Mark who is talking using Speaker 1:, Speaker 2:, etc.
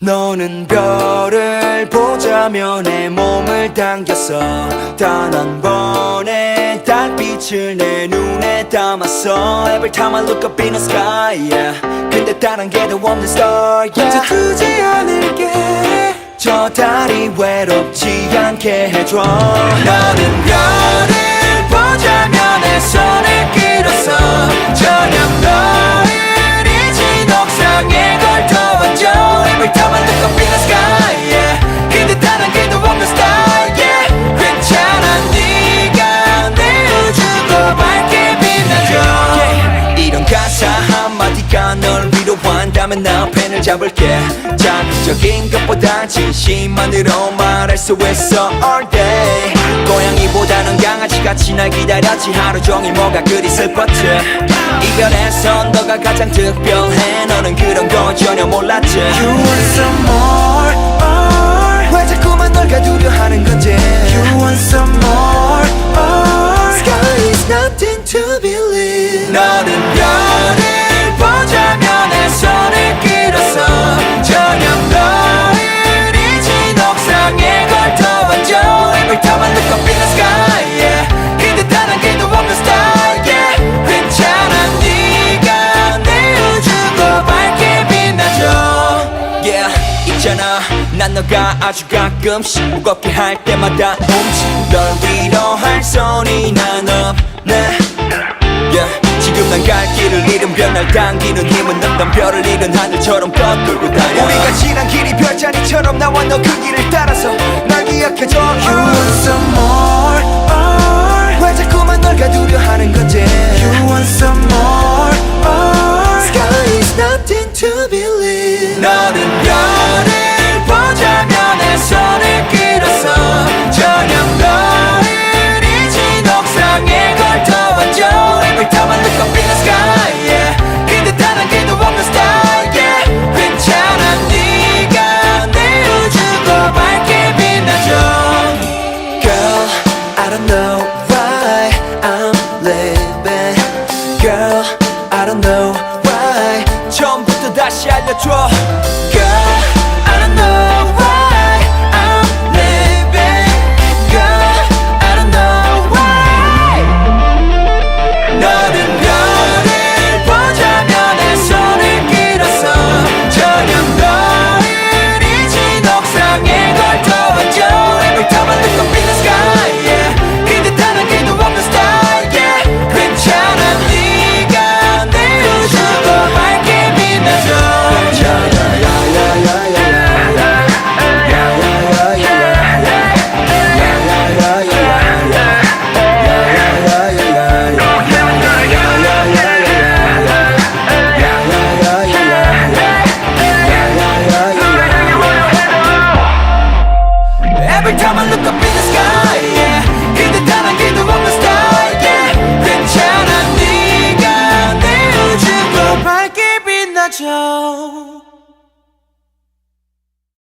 Speaker 1: 너는 별을 보자며 내 몸을 당겼어. 단 한 번의 달빛을 내 눈에 담았어. Every time I look up in the sky, yeah. 근데 단 한 개도 없는 star, yeah. 두지 않을게. 저 달이 외롭지 않게 해줘. 너는 별을 보자며 내 손을 끌었어. 저녁 너를 잊은 옥상에 걸터왔죠. Every time I look up in the sky, yeah. 근데 단 한 개도 없는 star, yeah. 괜찮아 네가 내 우주도 밝게 빛나줘, yeah. 이런 가사 한마디가 널 위로한다면 나 펜을 잡을게. 자극적인 것보다 진심만으로 말할 수 있어 all day. 고양이보다는 강아지같이 날 기다렸지. 하루 종일 뭐가 그리 슬펐지. 이별에선 너가 가장 특별해. 너는 그런 거 전혀 몰랐지. You want some more, or 왜 자꾸만 널 가두려 하는 건지. You want some more, or sky is nothing to believe. 너는 별을 보자며 내 손을 끌었어. 저녁 너를 잊은 옥상에 걸터왔죠. Every time I look up in the sky, yeah. 근데 단 한 개도 없는 star, yeah. 괜찮아 네가 내 우주도 밝게 빛나줘, yeah. 있잖아 난 너가 아주 가끔씩 무겁게 할 때마다 널 위로할 손이 난 없네, yeah. 지금 난 갈 길을 잃은 별 날 당기는 힘은 없던 별을 잃은 하늘처럼 뻗돌고 다녀. 우리가 지난 길이 별자리처럼 나와 너 그 길을 따라서 날 기억해줘. You want some more, or 왜 자꾸만 널 가두려 하는 건지. You want some more, or sky is nothing to believe. 너는 별을 보자며 내 손을 끌었어. 저녁 너를 잊은 옥상에 걸터왔죠. Every time I look up in the sky, yeah. 근데 단 한 개도 없는 star, yeah. 괜찮아 네가 내 우주도 밝게 빛나줘. Girl, I don't know why I'm living. Girl, I don't know why. 처음부터 다시 알려줘.